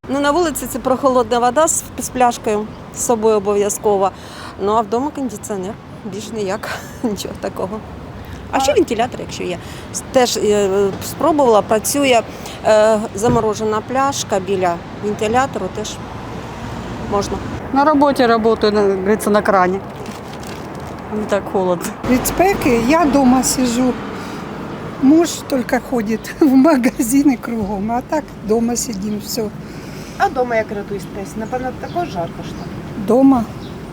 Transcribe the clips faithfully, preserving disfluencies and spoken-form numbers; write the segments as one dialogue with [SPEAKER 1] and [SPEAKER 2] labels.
[SPEAKER 1] Ну, на вулиці це прохолодна вода з, з пляшкою з собою обов'язково. Ну а вдома кондиціонер. Більш ніяк, нічого такого. А ще вентилятор, якщо є. Теж е, спробувала, працює е, заморожена пляшка біля вентилятору, теж можна.
[SPEAKER 2] На роботі працюю, як говориться, на крані. Не так холодно.
[SPEAKER 3] Від спеки я вдома сижу. Муж тільки ходить в магазини кругом, а так вдома сидимо, все.
[SPEAKER 4] А вдома як рятуєтесь? Напевно, також жарко ж там.
[SPEAKER 3] Дома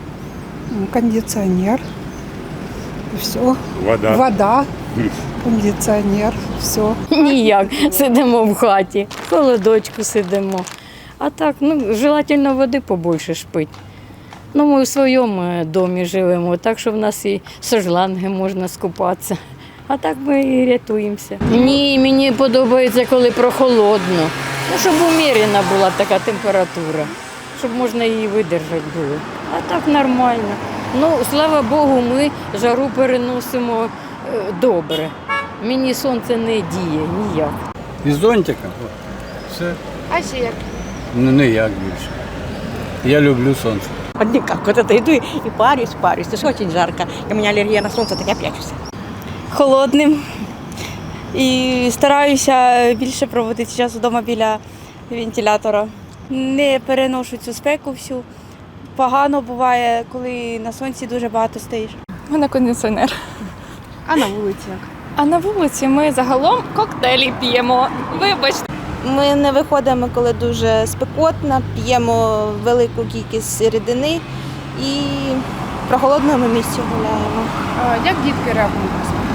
[SPEAKER 3] кондиціонер, все.
[SPEAKER 5] Вода.
[SPEAKER 3] Вода, кондиціонер, все.
[SPEAKER 6] Ніяк, сидимо в хаті, в холодочку сидимо. А так, ну, желательно води побільше шпить. Ну, ми у своєму домі живемо, так що в нас і з шланги можна скупатися. А так ми і рятуємося. Ні, мені подобається, коли прохолодно. Ну, щоб умірена була така температура, щоб можна її видержати було. А так нормально. Ну, слава Богу, ми жару переносимо е, добре. Мені сонце не діє ніяк.
[SPEAKER 7] Із зонтика. Все.
[SPEAKER 4] А ще як?
[SPEAKER 7] Ну, ніяк більше. Я люблю сонце.
[SPEAKER 8] Вот никак. Вот это иду и парюсь, парюсь. Это же очень жарко. И у меня аллергия на солнце, так я прячусь.
[SPEAKER 9] Холодним. І стараюся більше проводити час вдома біля вентилятора. Не переношу цю спеку всю. Погано буває, коли на сонці дуже багато стоїш.
[SPEAKER 10] У мене кондиціонер.
[SPEAKER 4] А на вулиці як?
[SPEAKER 10] А на вулиці ми загалом коктейлі п'ємо. Вибачте.
[SPEAKER 9] Ми не виходимо, коли дуже спекотно, п'ємо велику кількість рідини і в прохолодному місці гуляємо.
[SPEAKER 4] А, як дітки реагують?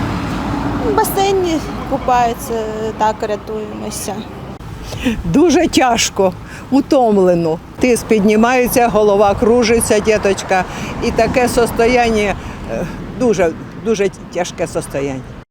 [SPEAKER 9] В басейні купаються, так рятуємося.
[SPEAKER 11] Дуже тяжко, утомлено. Тиск піднімається, голова кружиться, діточка. І таке состояння, дуже, дуже тяжке состояння.